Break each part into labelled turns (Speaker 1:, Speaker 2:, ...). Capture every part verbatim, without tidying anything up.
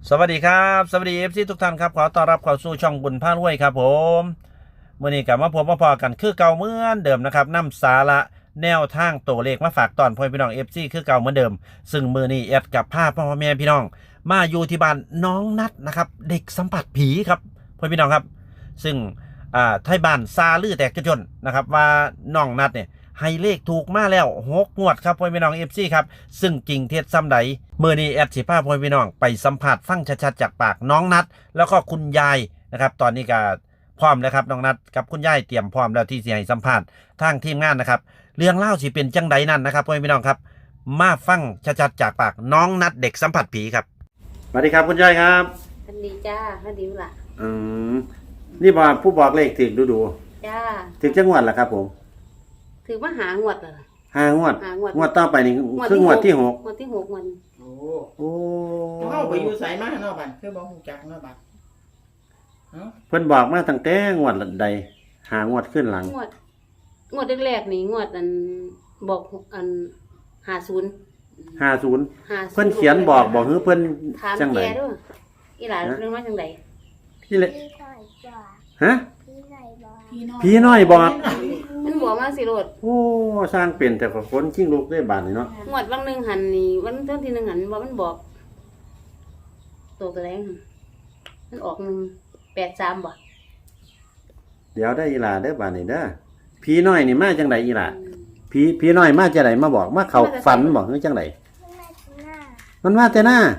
Speaker 1: สวัสดีครับสวัสดีเอฟซีทุกท่านครับขอต้อนรับเข้าสู่ช่องบุญพารวยครับผมเมื่อนี้กลับมาพบมาพอกันคือเก่าเหมือนเดิมนะครับนำสาระแนวทางตัวเลขมาฝากตอนพ่อพี่น้องเอฟซีคือเก่าเหมือนเดิมซึ่งมือนี้แอดกับภาพพ่อแม่พี่น้องมาอยู่ที่บ้านน้องนัดนะครับเด็กสัมผัสผีครับพ่อพี่น้องครับซึ่งอ่าไทยบ้านซาลือแตกจนนะครับว่าน้องนัดเนี่ยให้เลขถูกมาแล้วหกงวดครับพ่อพี่น้องเอฟซีครับซึ่งจริงเท็จซ้ำใดเมื่อนี้แอดสิพาพ่อพี่น้องไปสัมผัสฟังชัดๆจากปากน้องนัดแล้วก็คุณยายนะครับตอนนี้ก็พร้อมแล้วครับน้องนัดกับคุณยายเตรียมพร้อมแล้วที่จะให้สัมภาษณ์ทางทีมงานนะครับเรื่องเล่าสิเป็นจังใดนั่นนะครับพ่อพี่น้องครับมาฟังชัดๆจากปากน้องนัดเด็กสัมผัสผีครับสวัสดีครับคุณยายครับ
Speaker 2: สวัสดีจ้าสวัสดีล่ะ
Speaker 1: อืมนี่บอกผู้บอกเลขถึงดูดู
Speaker 2: จ้า
Speaker 1: ถึงจังหวัดละครับผม
Speaker 2: ถือว่าหางวดเหรอ
Speaker 1: ห้างวด
Speaker 2: หางวด
Speaker 1: งวดต่อไปนี่คืองวดที่หก
Speaker 2: งวดที่หกมัน
Speaker 3: โอ้
Speaker 1: โอ้
Speaker 3: เข้าไปอยู่ไสมาเนาะบัดคือบ่ฮู้จักเนาะบัดเอ้า
Speaker 1: เพิ่นบอกมาตั้งแต่งวดใดหางวดขึ้นหลัง
Speaker 2: งวดงวดแรกๆนี่งวดอันบอกอันห้าศูนย์
Speaker 1: ห้าศูนย์เพิ่นเขียนบอกบอกคือเพิ่น
Speaker 2: จังได๋ถามแกด้วยอีหลานเรื่องมาจังได๋
Speaker 1: พี่เลยฮะ
Speaker 3: พี่
Speaker 1: น้อยบอก
Speaker 2: มันบอกมาสิโลด
Speaker 1: โอ้สร้างเป็นแต่ก็คนชิงลูกได้บาดนี่เนาะ
Speaker 2: งวดวันนึงหันนี่วันต้นที่นึงหันว่ามันบอกโตกระแรงมันออกนึงแปดสามบ่
Speaker 1: เดี๋ยวได้อีหลาเด้อบาดนี่เด้อพี่น้อยนี่มาจังได๋อีหลาพี่พี่น้อยมาจังได๋มาบอกมาเข้าฝันบอกคือจังได๋มันมาแต่หน้า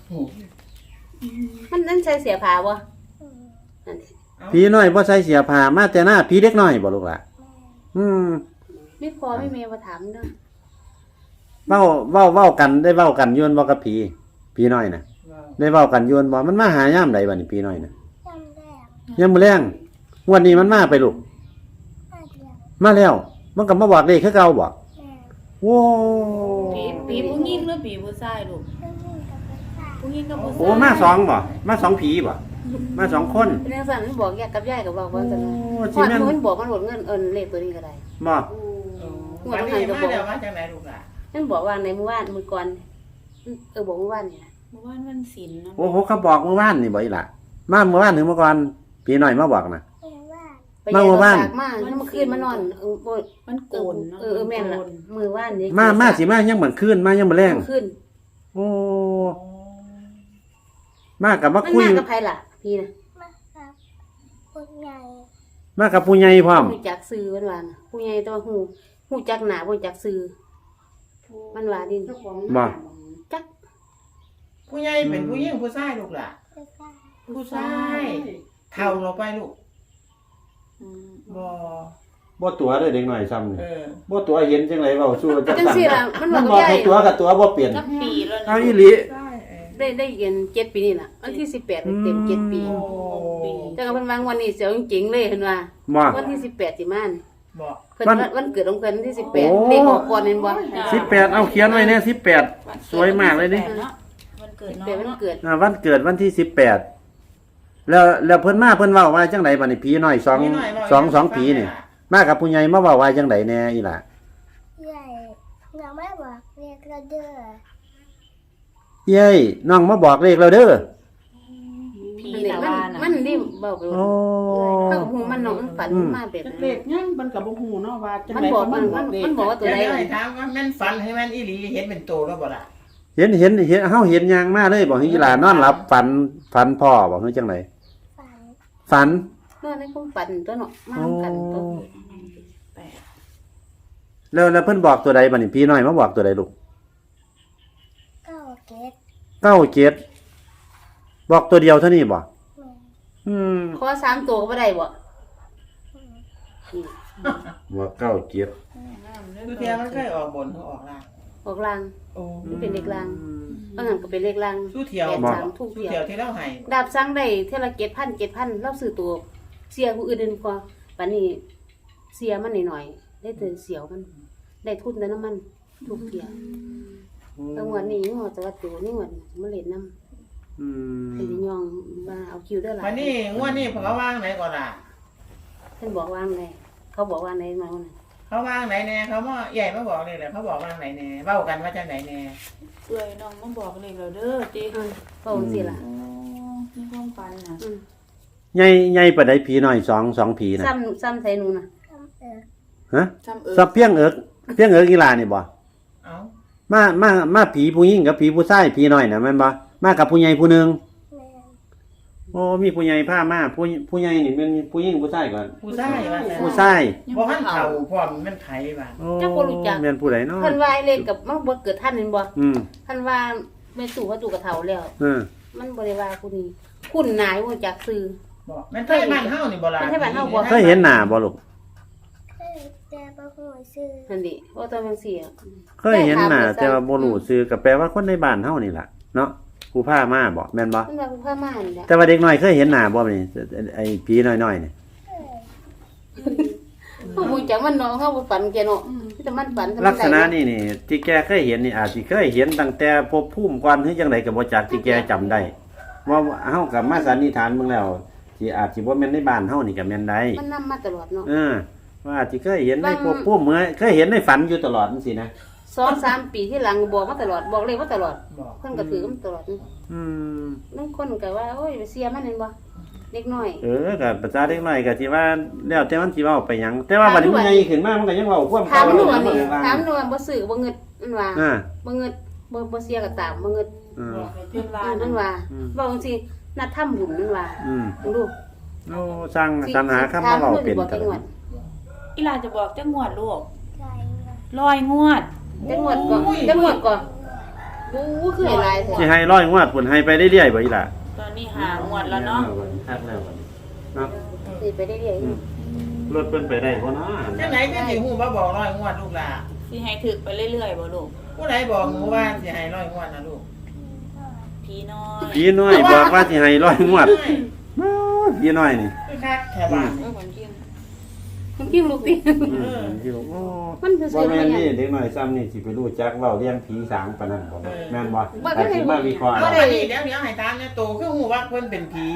Speaker 2: มันนั่นใส่เสียผ้าบ่นั่น
Speaker 1: พี่น้อยบ่ใส่เสียผ้ามาแต่หน้าพี่เด็กน้อยบ่ลูกล่ะอืม
Speaker 2: ไม่พอไม่เมย์มาถามเด้อ
Speaker 1: เว้าเว้าเว้ากันได้เว้ากันยวนบ่กับผีผีน้อยน่ะได้เว้ากันยวนบ่มันมาหายามใดบัดนี้ผีน้อยน่ะยามมื้อแลงงวดนี้มันมาไปลูกมาแล้วมันก็มาบอกเลขคือเก่าบ่โอ้
Speaker 4: ผีผีผู้หญิงหรือผีผู้ชายลูกผู้หญิงกับผู้ชาย
Speaker 1: โอ้มาสองบ่มาสองผีบ่มาสองคน
Speaker 2: เป็นจังซั่นมันบอกแยกกับยายก็บอกว่าซั่นพอมันบอกมันโหดเงินเอิ้นเลขตัวนี้ก็ได้
Speaker 1: บ่
Speaker 3: วันนี้มาแล้วมาจากไหนลูกล่ะ
Speaker 2: มันบอกว่าในเมื่อวานมื้อก่อนเออบอกเมื่อวานนี่
Speaker 4: เมื่อวานวันศีลเนาะ
Speaker 1: โอ้โหเขาบอกเมื่อวานนี่บ่อีหล่ะมาเมื่อวานถึงเมื่อก่อนผีน้อยมาบอกน่ะ
Speaker 2: มาเมื่อวานมาเมื่อคืนมานอนเออบ่
Speaker 4: มันโกนเนาะ
Speaker 2: เออแม่นล่ะมื้อวานนี่
Speaker 1: มามาสิมายังเหมือนคืนมายังมื้อแลง
Speaker 2: คืน
Speaker 1: โอ้มากับมาคุย
Speaker 2: มากับไผล่ะพี่น่ะ
Speaker 1: มากับผู้ใหญ่พร้อม
Speaker 2: ฮู้จักชื่อมันว่าน่ะผู้ใหญ่แต่ว่าฮู้ฮู้จักหน้าบ่จักชื่อมันว่าดิ
Speaker 1: บ่
Speaker 2: จัก
Speaker 3: ผู้ใหญ่เป็นผู้หญิงผู้ชายลูกล่ะผู้ชายเฒ่าลงไปลูกบ่
Speaker 1: บ่ตัวเด้อเด็กน้อยซ้ำนี่
Speaker 3: เออ
Speaker 1: บ่ตัวเห็นจังได๋เว้าสู่จัง
Speaker 2: ซั่นจังซี่ล่ะมันบอก
Speaker 1: ให้ตัวกับตัวบ่เปลี่ยน
Speaker 4: จักปีแล้ว
Speaker 1: เอาอีหลี
Speaker 2: ได้ได้เรียนเจ็ดปีนี่ล่ะวันที่สิบแปดเต็มเจ็ดปีแต่ก็เพิ่นวางวันนี้เสียวจริงๆเลยเพิ่นว่าวันที่สิบแปดสิมานี่
Speaker 3: บ่
Speaker 2: เพิ่นวันเกิดของเพิ่นวันที่สิบแปดเลขออกก่อนแม่นบ่
Speaker 1: สิบแปดเอาเขียนไว้แน่สิบแปดสวยมากเลยนี่
Speaker 4: วันเกิดเนาะ
Speaker 2: วันเกิด
Speaker 1: อ่าวันเกิดวันที่สิบแปดแล้วแล้วเพิ่นมาเพิ่นเว้าว่าจังได๋บัดนี้ผีน้อยสอง สอง สองผีนี่มากับผู้ใหญ่มาเว้าว่าจังได๋แน่อีหล่ะ
Speaker 5: ใหญ่ยังไม่บอกเรียกเราเด้อ
Speaker 1: เย้ยน้องมาบอกเลขเราเด้อ
Speaker 4: ผีตะวาน่ะ
Speaker 2: มันนี่เว้าไปโอ้เฮาฮู้มันน้องฝันมาแบบนั้น
Speaker 3: เลขยังมันก็บ่ฮู้เนาะว่าจัง
Speaker 2: ได๋มันบอกมันบอกว่าตัวใด
Speaker 3: ถามว่าแม่นฝันให้แม่นอีหลีเห็นเป็นโตแล้วบ่ล่ะ
Speaker 1: เห็นเห็นเห็นเฮาเห็นยางมาเลยบอกให้อีหล่านอนหลับฝันฝันพ่อบอกให้จังได๋ฝัน
Speaker 2: นอนในคงฝันตัวเนาะมานํกันตัว
Speaker 1: แล้วแล้วเพิ่นบอกตัวใดบัดนี้พี่น้อยมาบอกตัวใดลูก
Speaker 5: เก้าเจ็ด
Speaker 1: เก้าเจ็ดบอกตัวเดียวเท่านี้บ่อืม
Speaker 2: ขอสามตัวก็บ่ได้บ่
Speaker 1: บ่เก้าเจ็ด
Speaker 3: คือเที่ยมันเคยออกบนหรือออกล่าง
Speaker 2: ออกล่าง
Speaker 3: โอ้
Speaker 2: มันเป็นเลขล่างบางอันก็เป็นเลขล่าง
Speaker 3: สู้เที่ยว
Speaker 2: ทุก
Speaker 3: เที่ยวที่เราให้
Speaker 2: ดาบสั่งได้เท่าละเจ็ดพัน เจ็ดพันเราซื้อตัวเสียผู้อื่นเดินกว่าบัดนี้เสียมันหน่อยๆได้แต่เสียวมันได้ทุนแต่น้ำมันทุกเที่ยวจังหวัดนี้งอจังหวัดตัวนี่หวัดมาเล่นน้ำอืมเป็นยองมาเอาคิวได้หลาย
Speaker 3: วันนี้งวดนี้เขาวางไหนก่อนล่ะ
Speaker 2: เพิ่นบอกวางไหนเขาบอกวางไหนมาวันนั้น
Speaker 3: เขาวางไหนแน่เขามาใหญ่มาบอกเลยแหละเขาบอกวางไหนแน่เว้ากันว่าจังไหนแน่
Speaker 4: เอ้ยน้องมาบอกเลขเราเด้อติ
Speaker 2: เว้าจังซี่ล่ะ
Speaker 4: มีความฝันน่ะ
Speaker 2: อืม
Speaker 1: ใหญ่ใหญ่ปานใดผีน้อยสองสองผีน่ะ
Speaker 2: ซ้ำซ้ำใส่หนูน่ะ
Speaker 5: ทำเออ
Speaker 1: ฮะ
Speaker 4: ซ้ำเอิ
Speaker 1: สับเพียงเอิกเพียงเอิกอีหลานี่บ่
Speaker 3: เอา
Speaker 1: มามามาผีผู้หญิงกับผีผู้ชายผีน้อยน่ะแม่นบ่มากับผู้ใหญ่ผู้หนึง
Speaker 5: แม่
Speaker 1: โอ้มีผู้ใหญ่พามาผู้ผู้ใหญ่นี่เป็นผู้หญิงผู้ชายก่อน
Speaker 3: ผู้ชายว่าแต่
Speaker 1: ผู้ชาย
Speaker 3: บ่ทันเฒ่าพร้อมมันไผบ้าน
Speaker 1: โอ้แม่นผู้ใดเนาะ
Speaker 2: เพิ่นว่าไอ้เล็กกับมันบ่เกิดท่านเห็นบ่
Speaker 1: อืม
Speaker 2: เพิ่นว่าแม่ตู่เขาตู่กับเฒ่าแล้ว
Speaker 1: เออ
Speaker 2: มันบ่ได้ว่าผู้นี้คุณนายบ่จักซื้อ
Speaker 3: บ่แม่นไทยบ้านเฮานี่บ่ล่ะ
Speaker 2: แม่นไทยบ้านเฮาบ่
Speaker 1: เคยเห็นหน้าบ่ลูก
Speaker 5: เคยแต่บ่ฮู้ชื่อ
Speaker 2: นั่นดิว่าตอนจังซี่อะ
Speaker 1: เคยเห็นหน้าแต่ว่าบ่รู้ชื่อก็แปลว่าคนในบ้านเฮานี่ล่ะเนาะผู้พามาบ่แม่นบ่
Speaker 2: มันว่าผู้พามานี่แหละ
Speaker 1: แต่ว่าเด็กน้อยเคยเห็นหน้าบ่นี่ไอ้ผีน้อยๆนี่
Speaker 5: เคย
Speaker 2: เฮาบ่จักมันเนาะเฮาบ่ฝันแกเนาะมีแต่มันฝันแต่มั
Speaker 1: ลักษณะ
Speaker 2: ได้
Speaker 1: นี่นี่ที่แกเคยเห็นนี่อาจสิเคยเห็นตั้งแต่ภพภูมิก่อนหรือจังไดก็บ่จักที่แกจำได้ว่าเฮากับมาสันนิษฐานเบิ่งแล้วที่อาจสิบ่แม่นในบ้านเฮานี่ก็แม่นได้
Speaker 2: มันนำมาตลอดเนาะ
Speaker 1: เออว่าอาจสิเคยเห็นในภพภูมิเมื่อเคยเห็นในฝันอยู่ตลอดจังซี่นะ
Speaker 2: สองสามปีที่หลังบอกมาตลอดบอกเลยว่าตลอด
Speaker 3: บอก
Speaker 2: เพิ่นก็ถือมันตลอด
Speaker 1: อืม
Speaker 2: บางคนก็ว่าโอ้ยไปเสียมันเห็นบ่เด็กน้อย
Speaker 1: เออก็ประชาเด็กน้อยก็สิว่าแล้วแต่มันสิเว้าไปหยังแต่ว่าบัดนี้มันใหญ่ขึ้นมามันก็ยังเว้าความ
Speaker 2: ถามหนู
Speaker 1: เก่า
Speaker 2: อันนี้
Speaker 1: อยู่
Speaker 2: ถามหนูว่าบ่ซื้อบ่เงิดมันว่า
Speaker 1: อ่า
Speaker 2: บ่เงิดบ่บ่เสียก็ตามบ่เงิด
Speaker 1: อืม
Speaker 4: บอกให้เพิ่นว่า
Speaker 2: อ่ามันว่า
Speaker 1: อืม
Speaker 2: บอกจังซี่นัดทำบุญมันว่า
Speaker 1: อืม
Speaker 2: ลองดู
Speaker 1: โอ้สร้างสรรหาคำมาเว้าเป็น
Speaker 2: บอก
Speaker 1: ต
Speaker 2: จัง
Speaker 1: ล
Speaker 2: ห
Speaker 1: อ
Speaker 2: วั
Speaker 1: ด
Speaker 2: ด
Speaker 4: อีหลาจะบอกจังงวดลูก
Speaker 5: ใจเงิน
Speaker 4: ร้อยงวด
Speaker 2: จังหวัดก่อนจังหวัดก่อนบู๊คือหลายแท้
Speaker 1: สิให้ร้อยงวดพุ่นให้ไปเรื่อยๆบ่อีหล่ะ
Speaker 4: ตอนนี้หางวดแล้วเนาะ
Speaker 1: คักแล้วบัดนี้เนาะ
Speaker 2: สิไปเรื่อย
Speaker 1: อืมรถเพิ่นไปได้บ่เนาะ
Speaker 3: จังไหนก็สิฮู้ว่าบอกร้อยงวดลูกล่ะ
Speaker 4: สิให้ถึกไปเรื่อยๆบ่ลูก
Speaker 3: ผู้ใดบอกหนูว่าสิให้ร้อยงวดนะลูก
Speaker 5: พี่น้อย
Speaker 4: พี่น้อย
Speaker 1: ผีน้อยบอกว่าสิให้ร้อยงวดโอ้ยผีน้อยนี่
Speaker 3: คือคักแค่บ้าน
Speaker 4: เออคนกิน
Speaker 2: ๆมันกิ้งลูกติ
Speaker 1: อืมที่บอกโอ้
Speaker 2: มันคือ
Speaker 1: บ่
Speaker 2: ซื้อ
Speaker 1: แม่
Speaker 2: มาน หยั
Speaker 1: นี่
Speaker 2: ง
Speaker 1: เด็กน้อยซ้ำนี่สิไปรู้จักเว้าเรียงผีสางปานนั้นบ่แม่นบ่
Speaker 2: บ่
Speaker 1: อาจสิมาวิเคราะห์
Speaker 3: เอา
Speaker 1: เอา
Speaker 3: อันนี้เดี๋ยวเดี๋ยวให้ตามเนี่ยโตคือฮู้ว่าเพิ่นเป็นผี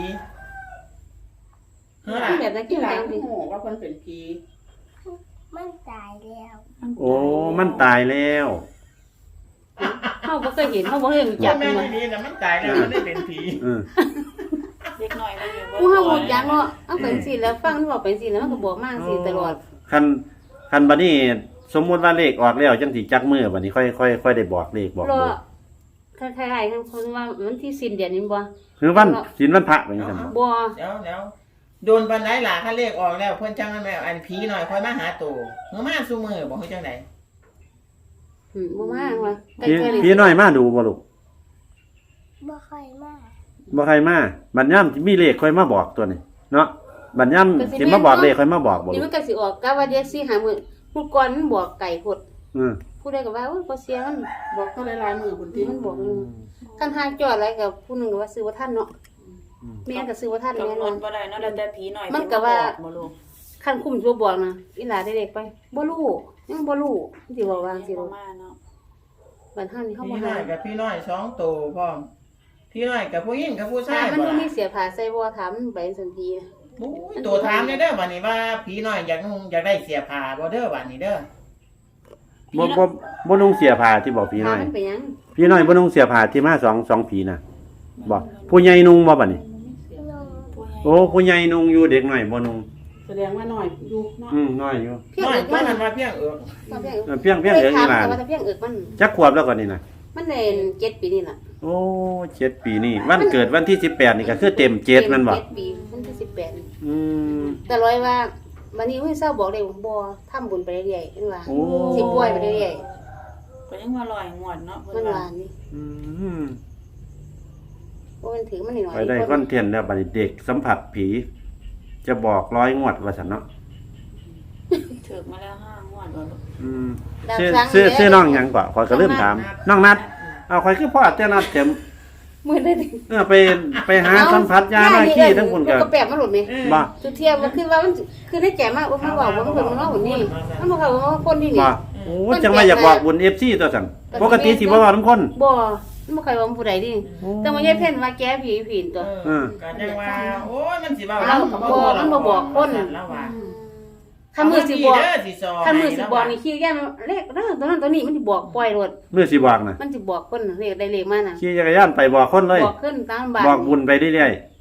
Speaker 3: เฮ้อล่ะ
Speaker 2: แบบนั้นกิ้งแรงดิ
Speaker 3: ฮู้ว่าเพิ่นเป็นผี
Speaker 5: มันตายแล้ว
Speaker 1: โอ้มันตายแล้ว
Speaker 2: เฮาบ่เคยเห็นเฮาบ่เคยรู้จั
Speaker 3: จั
Speaker 2: ก
Speaker 3: กแม่
Speaker 2: มัน
Speaker 3: นดีนะมันตายแล้วมันได้เป็นผี
Speaker 1: เออ
Speaker 4: เด็กน้อยมันอยู่
Speaker 2: ผู้เฮาบ่รู้จักเนาะเอาเป็นสิแล้วฟังมันบอกเป็นสิแล้วมันก็บอกมาสิตลอด
Speaker 1: คันคันบัดนี้สมมุติว่าเลขออกแล้วจังสิจักมือบัดนี้ค่อยค่อยค่อยได้บอกเลขบอก
Speaker 2: รอ
Speaker 1: เบอร์
Speaker 2: คล้ายๆกันคนว่ามันที่สิ้นเดือนนี้บ่
Speaker 1: คือวันศีลวันพระเป็นจังซั่นบ่
Speaker 2: บ่
Speaker 3: เดี๋ยวเดี๋ยวโดนปานไหนล่ะถ้าเลขออกแล้วเพิ่นจังนั้นแม่อันผีหน่อยค่อยมาหาโตเมื่อมาซุมื้อบ่ฮู้จังได๋
Speaker 2: อืมบ่มาว่าใก
Speaker 1: พี่
Speaker 2: ล้ๆ
Speaker 1: พี่น้อยมาดูบ่ลูก
Speaker 5: บ่ค่อยมาก
Speaker 1: บ่ใครมาบัดยามมีเลขค่อยมาบอกตัวนี้เนาะบัดยามสิมาบอกเลขค่อยมาบอกบ่
Speaker 2: นี่
Speaker 1: ลู
Speaker 2: มั
Speaker 1: ก
Speaker 2: นก็สิออกกะว่าเดี๋ยวสิหามื้อผู้ก่อนมันบอกไก่พด
Speaker 1: อือ
Speaker 2: ผู้ใดก็ว่าโอ้ยบ่เสียมันบอกเท่าหลายๆมื้อพุ่นติมันบอกนึงคันหาจอดอะไรกับผู้หนึงก็ว่าซื้อบ่ทันเนาะแม่นก็ซื้อบ่ทันแน่
Speaker 4: กำห
Speaker 2: น
Speaker 4: น
Speaker 2: อ
Speaker 4: ด
Speaker 2: น
Speaker 4: บ่ได้เนาะแล้วแต่ผีน้อย
Speaker 2: มันก็ว่า
Speaker 4: บ่ลูก
Speaker 2: คันคุมตัวบอกนะอีหลาได้เด็กไปบ่รู้ยังบ่รู้สิบอกว่าสิ
Speaker 4: บ่
Speaker 2: บ่
Speaker 4: มาเนาะ
Speaker 2: บัดเฮานี่เฮาบ่
Speaker 3: พี่น้
Speaker 2: หา
Speaker 3: อยกับพี่น้อยสองโตพร้อมพี่น้อยกับผู้หญิงกับผู้ชา
Speaker 2: ถาย มัน
Speaker 3: บ่
Speaker 2: บ่
Speaker 3: ล่ะ
Speaker 2: มีเสียผ้าใส่บ่ถามมันไปสันทีนะ
Speaker 3: โอ้ยโตถามเด้อเด้อบัดนี้ว่าผีน้อยอยากนุ่งอยากได้เสียผ้าบ่เด้อบัดนี้เด้อ
Speaker 1: บ่บ่บ่นุ่งเสียผ้าที่บอกพี่
Speaker 2: ถา
Speaker 1: น้
Speaker 2: ม
Speaker 1: อย
Speaker 2: มันไปหยัง
Speaker 1: พี่น้อยบ่นุ่งเสียผ้าที่มาสองสองผีน่ะบ่ผู้ใหญ่นุ่งบ่บัดนี้
Speaker 5: ลง
Speaker 1: โอ้ผู้ใหญ่นุ่งอยู่เด็กน้อยบ่นุ่ง
Speaker 6: แสดงว่าน้อยอยู่เนาะ
Speaker 1: อืมน้อยอยู่
Speaker 2: เพียง
Speaker 3: น้อย
Speaker 2: เอิก
Speaker 3: มั
Speaker 2: มัน น
Speaker 3: ว่าเพียงเอิก
Speaker 2: เพียงเอิก
Speaker 1: เออเพียงเพียงเอิก
Speaker 2: ถา
Speaker 1: นี่
Speaker 2: ม
Speaker 1: ล่ะ
Speaker 2: แต่ว่าแต่เพียงเอิกมัน
Speaker 1: จักขวบแล้วก่อนนี่น่ะ
Speaker 2: มันได้เจ็ดปีนี่ล่ะ
Speaker 1: โอ้เจ็ดปีนี่วันเกิดวันที่สิบแปดนี่ก็คือเต็มเจ็ดแมันบ่
Speaker 2: เจ็ดปีมันที่สิบแปดนี่
Speaker 1: อืม
Speaker 2: แต่ร้อยว่าบัดนี้เฮ้ยเศร้าบอกเลยว่าบ่ทำบุญไปเรื่อยๆเห็นว่า
Speaker 1: โอ้
Speaker 2: สิปล่อยไปเรื่อย
Speaker 4: ก็ยังว่าร้อยงวดเนาะ
Speaker 2: ๆ
Speaker 4: เพิ่
Speaker 2: มัน น
Speaker 4: ว่า
Speaker 2: ว่านี่
Speaker 1: อืม
Speaker 2: บ่มันถือมันหน่อย
Speaker 1: ไปได้คอนเทนต์แล้วบัดนี้เด็กสัมผัสผี จะบอกร้อยงวดว่าซั่นเนาะ
Speaker 4: ถึกมาแล้วห้างวดบ่ลูก
Speaker 1: อืม
Speaker 2: ดาว
Speaker 1: ชื่อ
Speaker 2: ครั้ง
Speaker 1: ชื่อ
Speaker 2: แล้ว
Speaker 1: ชื่อน้องหยังกว่าขอยก็ลืมถามน้องนัดเอาข่อยคือพ่อแต่นัดเต็ม
Speaker 2: มื้อได้ดิ
Speaker 1: เออไปไปหาสัมผัสยาหน้าขี้ทั้งพุ่นก็
Speaker 2: ก็แปลกมันหลุดไหม
Speaker 1: บ่
Speaker 2: จุดเทียบก็คือว่ามันคือได้แก่มากว่ามันบอกว่ามันเป็นมันว่าหุ่นนี่มันบอกว่าคนนี่นี่
Speaker 1: บ่โอ้จังว่าอยากบอกบุญ เอฟ ซี ตัวซั่นปกติสิบ่เว้านำคน
Speaker 2: บ่มันบ่เคยว่ามันผู้ใดดิแต่ว่ายายเพ่นว่าแกผีผีตัว
Speaker 3: เออก็จังว่าโอ้ยมันสิเว้า
Speaker 2: เราบ่มันบ่บอกคน
Speaker 3: แล้วว่า
Speaker 2: คันมือสิบอก
Speaker 3: เด้อสิซอ
Speaker 2: คันมือสิบอกนี่ขี้แก่เลขเด้อตัวนั้นตัวนี้มันสิบอกปล่อยรถ
Speaker 1: มื้อสิบอกน่ะ
Speaker 2: มันสิบอกคนเลขได้เลขมาน่ะ
Speaker 1: ขี่จักรยานไปบอกคนเลย
Speaker 2: บอกขึ้นตามบ้าน
Speaker 1: บอกบุญไปเรื่อย
Speaker 2: บ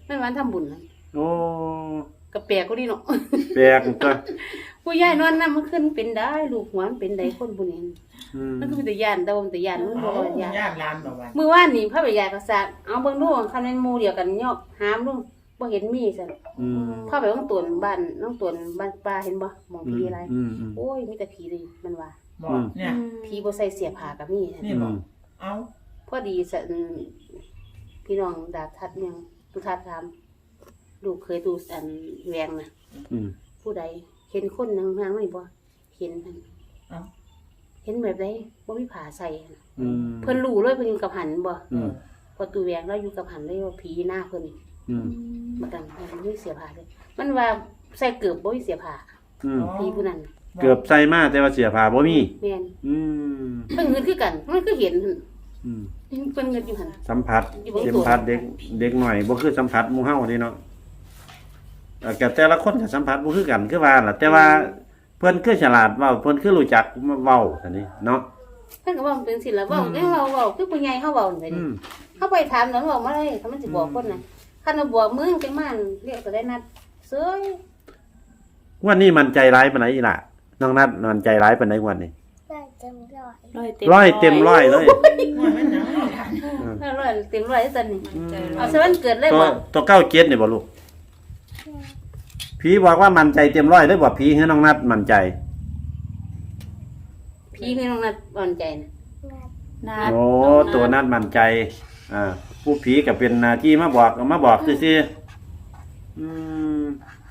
Speaker 2: มันวันทำบุญนะ
Speaker 1: โอ้
Speaker 2: ก็แปลกกูดิเนาะ
Speaker 1: แปลกตัว
Speaker 2: ผู้ยายนอนนำมันขึ้นเป็นได้ลูกหัวมันเป็นได้คนผู้นี้
Speaker 1: อืม
Speaker 2: มันก็เป็นแต่ยานแต่ว่ามันแต่ยานมันบ่
Speaker 3: เอา
Speaker 2: ว่าย่าน
Speaker 3: ญาติหลานบอกว่า
Speaker 2: มื้อวานนี่พระบิดาก็ซักเอาเบิ่งดูคันแม่นหมู่เดียวกันยอกหามดูบ่เห็นมีซั่น
Speaker 1: อืม
Speaker 2: พาไปน้องตวนบ้านน้องตวนบ้านป้าเห็นบ่หมองผีอะไร
Speaker 1: อืมอืม
Speaker 2: โอ้ยมีแต่ผีเลยมันว่า
Speaker 3: บอกเนี่ย
Speaker 2: ผีบ่ใส่เสียผ้าก็มี
Speaker 3: นี่บอกเอา
Speaker 2: พอดีสะพี่น้องดาบทัดยังตุทัดถามลูกเคยดูอันแวงน่ะ
Speaker 1: อืม
Speaker 2: ผู้ใดเห็นคนนางนางไม่บ่เห็นหั่น
Speaker 3: เอา
Speaker 2: เห็นแบบใดบ่มีผ้าใส่หั่น
Speaker 1: อืม
Speaker 2: เพิ่นรู้เลยเพิ่นอยู่กับหันบ่
Speaker 1: อืม
Speaker 2: พอตูแวงแล้วอยู่กับหันเลยว่าผีหน้าเพิ่น
Speaker 1: อืม
Speaker 2: มากันมันมีเสียผ้าเลยมันว่าใส่เกือบบ่มีเสียผ้า
Speaker 1: อืม
Speaker 2: ผีผู้นั้น
Speaker 1: เกือบใส่มาแต่ว่าเสียผ้าบ่มี
Speaker 2: แม่น
Speaker 1: อืม
Speaker 2: เพิ่นเงินคือกันมันก็เห็นหั่น
Speaker 1: อืม
Speaker 2: เพิ่นเงินอยู่หั่น
Speaker 1: สัมผัส
Speaker 2: อยู่บน
Speaker 1: สัม
Speaker 2: ตัว
Speaker 1: ผัสเด็กเด็กหน่อยบ่คือสัมผัสหมู่เฮาเด้เนาะเอ่อก็แต่ละคนก็สัมผัสบ่คือกันคือว่าล่ะแต่ว่าเพิ่นคือฉลาดเว้าเพิ่นคือรู้จักเว้าซั่นนี่เนาะ
Speaker 2: เพิ่นก็ว่ามันเป็นศิลปะเว้าเด้เว้าเว้าคือผู้ใหญ่เฮาเว้าจัง
Speaker 1: อื
Speaker 2: ซี่
Speaker 1: ม
Speaker 2: เฮาไปถามนั้นเว้ามาเลยถ้ามันสิบอกคนน่ะคันว่าบอกมึงจังมาเรียกก็ได้นัดเซ้ย
Speaker 1: วันนี้มันใจร้ายปานไหนอีหล่ะน้องนัดมันใจร้ายปานไหนวันนี้
Speaker 5: ได้เต็มร้อย
Speaker 4: ร้อยเต็ม
Speaker 1: ร้อยเต็มร้อยเลย
Speaker 3: ว่ามันหนังเอาหลาน
Speaker 2: ห้าร้อยเต็มร้อยตอนนี้
Speaker 4: ใจร้
Speaker 2: เอา
Speaker 4: อย
Speaker 2: ซะวันเกิดเลย
Speaker 1: ตัว
Speaker 2: บ่
Speaker 1: ตัวเก้าเจ็ดนี่บ่ลูกผีบอกว่ามันใจเต็มร้อยเลยบ่ผีคือน้องนัดมันใจ
Speaker 2: พี่คือน้องนัดอ่อนใจน่ะ
Speaker 5: นัด
Speaker 4: นัด
Speaker 1: โอ้ตัวนัดมันใจ อ่า ผู้ผีก็เป็นหน้าที่มาบอกมาบอกซื่อๆอืม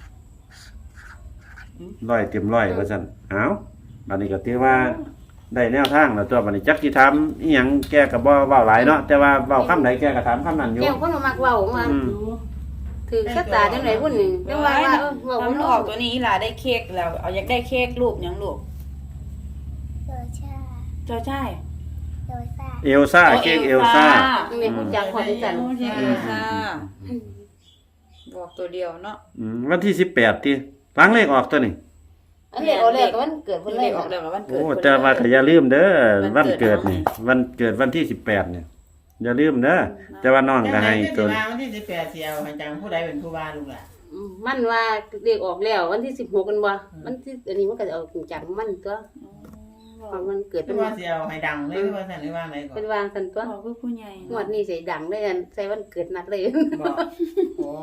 Speaker 1: ร้อยเต็มร้อยว่าซั่นเอ้าบัดนี้ก็ถือว่าได้แนวทางแล้วตัวบัดนี้จักสิถามอีหยังแกก็บ่เว้าหลายเนาะแต่ว่าเว้าคำใดแกก็ถามคำนั้นอยู่
Speaker 2: แก้วคนบ่มักเว้าว่า
Speaker 1: อืม
Speaker 2: ถือชะตาจังไดพุ่นนี่จังว่าว่าเออเว้า
Speaker 4: ถ้า
Speaker 2: บ่
Speaker 4: มัน
Speaker 2: รู้
Speaker 4: ออกตัวนี้อีหล่าได้เค้กแล้ว เอาอยากได้เค้กรูปหยังลูก
Speaker 5: โดชา
Speaker 4: จอใช่
Speaker 5: โดซา
Speaker 1: เอลซ่าเค้กเอลซ่า
Speaker 2: แม่ฮู้จักฮอดจัง
Speaker 4: โอ้เค้กเอลซ่าบอกตัวเดียวเนาะ
Speaker 1: อืมวันที่สิบแปดที่ล้างเลขออกตัวนี้
Speaker 2: อันนี้เอาแล้วก็วันเกิดเพิ่นเล
Speaker 4: เด็
Speaker 2: ย
Speaker 4: กออกแล้ววันเกิด
Speaker 1: โอ้
Speaker 4: เพิ่น
Speaker 1: แต่ว่าก็อย่าลืมเด้อ
Speaker 4: วั
Speaker 1: วัน
Speaker 4: นเกิ
Speaker 1: เกิด
Speaker 4: ด
Speaker 1: นี่วันเกิดวันที่สิบแปดเนี่ยอย่าลืมเด้อแต่ว่าน้องก็ให้
Speaker 3: ตั
Speaker 1: ตัว ว
Speaker 3: วันที่สิบแปดเสียวให้จังผู้ใดเป็นผู้ว่าลูกหล่ะ
Speaker 2: อืมมันว่าเรียกออกแล้ววันที่สิบหกกันบ่วันที่อันนี้มันก็จะเอาจังมันตัวเพราะมันเกิด
Speaker 3: เป็
Speaker 2: เป็น น
Speaker 3: ว่าเสียวให้ดังเลยหรือว่าสั่นหรือว่าไหนก่อ
Speaker 2: เป็น นวางกันตัว
Speaker 4: บอกคือผู้ใหญ่
Speaker 2: งวดนี้ใส่ดังเลยอันใส่วันเกิดนัดเลย
Speaker 3: บอกโอ้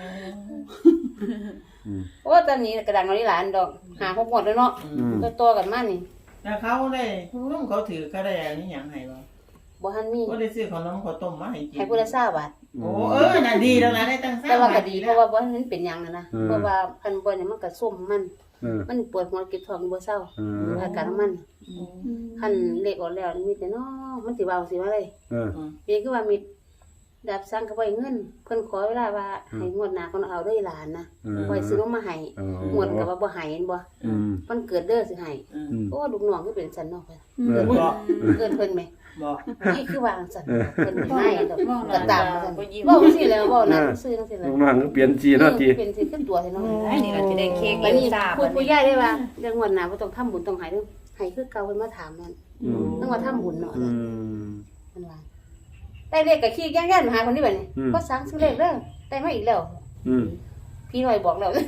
Speaker 2: โอ้ตอนนี้กระดังเอาหลานดอกหาหกหมดแล้วเนาะ
Speaker 1: อืม
Speaker 2: ตัวตัวกันมานี่
Speaker 3: แล้วเขาได้ผู้นุ่มเขาถือเขาได้อันนี้หยังให้บ่
Speaker 2: บ่ทันมี
Speaker 3: ก็ได้ซื้อขนมข้าวต้มมาให้กิน
Speaker 2: ให้ผู้ละ20บาท
Speaker 3: โอ้เออน่ะดีแล้วนะได้ตั้ง
Speaker 2: แต่ว่าก็
Speaker 3: บท
Speaker 2: ดีเพราะว่าบ่ทันเป็นหยังนะนะ
Speaker 1: อืม
Speaker 2: เพราะว่าคันบ่เนี่ยมันก็ส้มมัน
Speaker 1: เออ
Speaker 2: มันปวดหัวเก็บท้องบ่เศร้า
Speaker 1: เออ
Speaker 2: อาการของมันคันเลขออกแล้วมีแต่น้อมันสิเว้าสิว่าอะไร
Speaker 1: เออ
Speaker 2: เป็นคือว่ามีดาบสั่งก็บ่ให้เงินเพิ่นขอเวลาว่าให้งวดหน้าเขาเอาเด้อหลานนะ
Speaker 1: เออ
Speaker 2: บ่ให้ซื้อนมมาให้
Speaker 1: เออ
Speaker 2: งวดก็ว่าบ่ให้เห็นบ่
Speaker 1: อืม
Speaker 2: มันเกิดเด้อสิให้
Speaker 1: อืม
Speaker 2: โอ้ลูกน้องคือเป็นสันเนาะเพิ่น
Speaker 1: เออ
Speaker 3: บอก
Speaker 2: เกินเพิ่นแหม
Speaker 3: บอก
Speaker 2: นี่คือวางสันเพิ่นไม่ให้ดอก
Speaker 4: มองห
Speaker 2: ก็
Speaker 4: น้า
Speaker 2: ตาม
Speaker 4: ตา
Speaker 2: สัน
Speaker 4: บ่ยิ้ม
Speaker 2: เว้าสิแล้วเว้านั่นซื้อจังซี่แหละ
Speaker 1: ลูกน้องก็เปลี่ยนจีเนาะจี
Speaker 2: เป็นสิขึ้นตัวให้เนาะ
Speaker 4: ไอ้นี่เราจะได้เค้กเอ
Speaker 2: บัด
Speaker 4: ล
Speaker 2: นี้
Speaker 4: ซ่า
Speaker 2: พู
Speaker 4: บั
Speaker 2: ด
Speaker 4: ด
Speaker 2: ผู้
Speaker 4: นี้
Speaker 2: ใหญ่ได้ว่าเรื่องงวดหน้าบ่ต้องทำบุญต้องให้เด้อให้คือเก่าเพิ่นมาถามนั่น
Speaker 1: อืม
Speaker 2: ต้องว่าทำบุญเนาะ
Speaker 1: อืม
Speaker 2: เพิ่นว่าได้เลขก็ขี้ย่างๆมาหาคนนี้บัดนี้
Speaker 1: อืม
Speaker 2: ก็สั่งซื้อเลขเด้อได้มาอีกแล้ว
Speaker 1: อืม
Speaker 2: พี่น้อยบอกแล้ว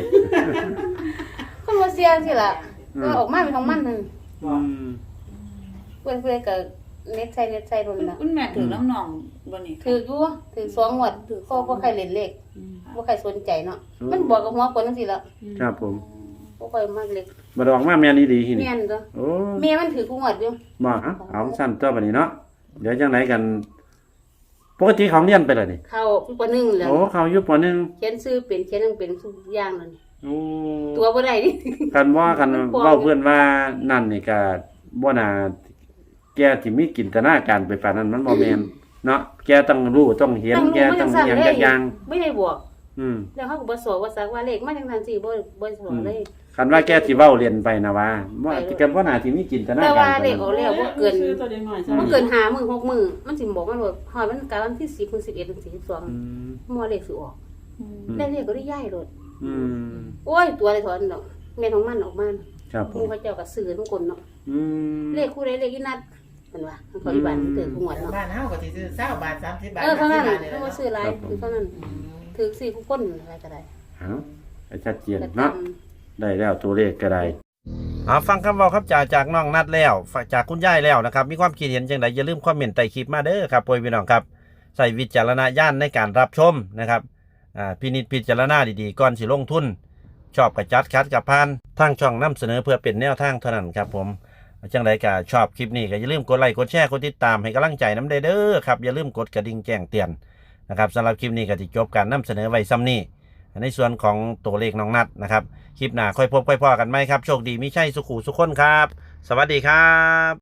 Speaker 2: คนบ่เสียสิล่ะก็ออกมาเป็นของมันนั่น
Speaker 1: อืม
Speaker 2: เพิ่นเพิ่นก็เน็ตใส่เน็ตใส่รุ่นน่ะ
Speaker 4: คุณแม่ถือน้ำหนองบ่นี่
Speaker 2: ถืออยู่ถือสองงวดก็บ่ใครเล่นเลขบ่ใครสนใจเนาะมันบอกกับหัวคนจังซี่ล่ะ
Speaker 1: ครับผม
Speaker 2: บ่ค่อยมักเลข
Speaker 1: บ่ดอกมาแม่นอีหลีหินี่
Speaker 2: แม่นตัว
Speaker 1: โอ้
Speaker 2: แม่มันถือกูงวดอยู่
Speaker 1: บ่เอาเอาสั้นตัวบัดนี้เนาะเดี๋ยวจังไหนกัน ปกติของเรียนไปเลยนี่
Speaker 2: เข้าปหนึ่งแล้ว
Speaker 1: โอ้เขาอยู่ปหนึ่ง
Speaker 2: เขียนชื่อเป็นเขียนหนังเป็นทุกอย่างนั่น
Speaker 1: โอ้
Speaker 2: ตัวบ่ได้นี่
Speaker 1: กันว่ากันเว้าเพื่อนว่านั่นนี่ก็บ่น่าแกสิมีจินตนาการไปปานนั้นมันบ่แม่นเนาะแกต้องรู้ต้องเห็นแกต้องอหยังจักอย่าง
Speaker 2: ไม่ได้บอก
Speaker 1: อืม
Speaker 2: แล้วเขาก็บ่สอนว่าสักว่าเลขมาจังซั่นสิบ่บ่สอนเลย
Speaker 1: คันว่าแกสิเว้าเรียนไปนะว่าว่าแกบ่น่าสิมีจินตนา
Speaker 2: แต่
Speaker 1: การ
Speaker 2: ว่า
Speaker 1: ปาน
Speaker 2: เลข
Speaker 1: นั้น
Speaker 2: ออกแล้วบ่เกิน
Speaker 6: ซื้อตัวเด็กหน่อย
Speaker 2: บ่เกินห้ามื้อหกมื้อมันสิบอกมันว่าฮอดมันกะวันที่สิบถึงสิบเอ็ดถึงสิบสอง
Speaker 1: อืม
Speaker 2: มัวเลขสิออกแล้วเลขก็ได้ย้ายโลด
Speaker 1: อืม
Speaker 2: โอ้ยตัวเลยถอนดอกแม่นของมันออกมา
Speaker 1: ครับผ
Speaker 2: หมู่
Speaker 1: ม
Speaker 2: พระเจ้าก็ซื้อทุกคนเนาะ
Speaker 1: อืม
Speaker 2: เลขคู่ใดเลขอีนัดเพิ่นว่ามันเขาอีบ้านมันถือคู่งวดเนาะ
Speaker 3: บ้านเฮาก็สิซื้อ20บาท30บาท
Speaker 2: เออเท่านั้น
Speaker 3: ห้สิบบท
Speaker 2: เพิ่นว่าซื้อหลายคือเท่านั้นถถือสี่คู่คนอะไรก็ได้
Speaker 1: เอาให้ชัดเจน
Speaker 2: ก็
Speaker 1: เนาะ
Speaker 2: ตาม
Speaker 1: ได้แล้วตัวเลขก็ได้เอาฟังคำเว้าครับจากจากน้องนัดแล้วจากคุณยายแล้วนะครับมีความคิดเห็นจังไดอย่าลืมคอมเมนต์ใต้คลิปมาเด้อครับพ่อพี่น้องครับใส่วิจารณญาณในการรับชมนะครับอ่าพินิจพิจารณาดีๆก่อนสิลงทุนชอบกับจัดคัดกับพานทางช่องนำเสนอเพื่อเป็นแนวทางเท่านั้นครับผมจังไดก็ชอบคลิปนี้ก็อย่าลืมกดไลค์กดแชร์กดติดตามให้กำลังใจน้ำเด้อครับอย่าลืมกดกระดิ่งแจ้งเตือนนะครับสำหรับคลิปนี้ก็จะจบการนำเสนอไว้ซ้ำนี้ในส่วนของตัวเลขน้องนัดนะครับคลิปหน้าค่อยพบค่อยพอกันไหมครับโชคดีมิใช่สุขุสุขคนครับสวัสดีครับ